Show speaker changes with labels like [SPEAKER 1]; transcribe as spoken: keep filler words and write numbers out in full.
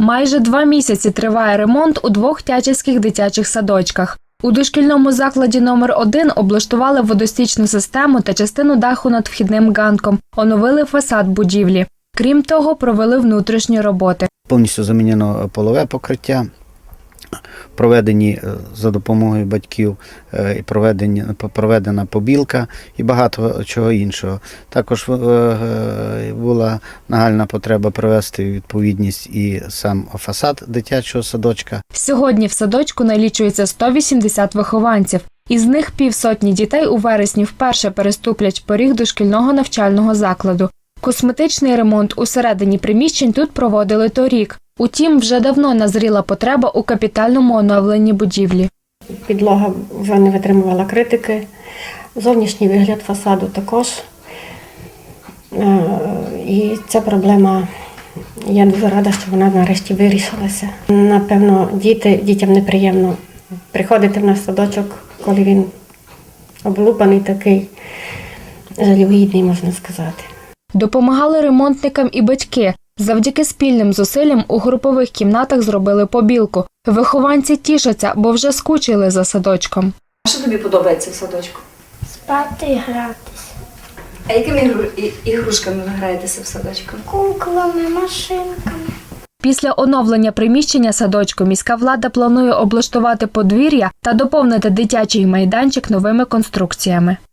[SPEAKER 1] Майже два місяці триває ремонт у двох тячівських дитячих садочках. У дошкільному закладі номер один облаштували водостічну систему та частину даху над вхідним ганком, оновили фасад будівлі. Крім того, провели внутрішні роботи.
[SPEAKER 2] Повністю замінено полове покриття, проведені за допомогою батьків, проведена побілка і багато чого іншого. Також була нагальна потреба привести у відповідність і сам фасад дитячого садочка.
[SPEAKER 1] Сьогодні в садочку налічується сто вісімдесят вихованців. Із них півсотні дітей у вересні вперше переступлять поріг дошкільного навчального закладу. Косметичний ремонт усередині приміщень тут проводили торік. Утім, вже давно назріла потреба у капітальному оновленні будівлі.
[SPEAKER 3] Підлога вже не витримувала критики, зовнішній вигляд фасаду також. І ця проблема, я дуже рада, що вона нарешті вирішилася. Напевно, діти, дітям неприємно приходити в наш садочок, коли він облупаний такий, жалюгідний, можна сказати.
[SPEAKER 1] Допомагали ремонтникам і батьки. Завдяки спільним зусиллям у групових кімнатах зробили побілку. Вихованці тішаться, бо вже скучили за садочком.
[SPEAKER 4] А що тобі подобається в садочку?
[SPEAKER 5] Спати і гратися.
[SPEAKER 4] А якими ігру- і- ігрушками ви граєтеся в садочку?
[SPEAKER 5] Куклами, машинками.
[SPEAKER 1] Після оновлення приміщення садочку міська влада планує облаштувати подвір'я та доповнити дитячий майданчик новими конструкціями.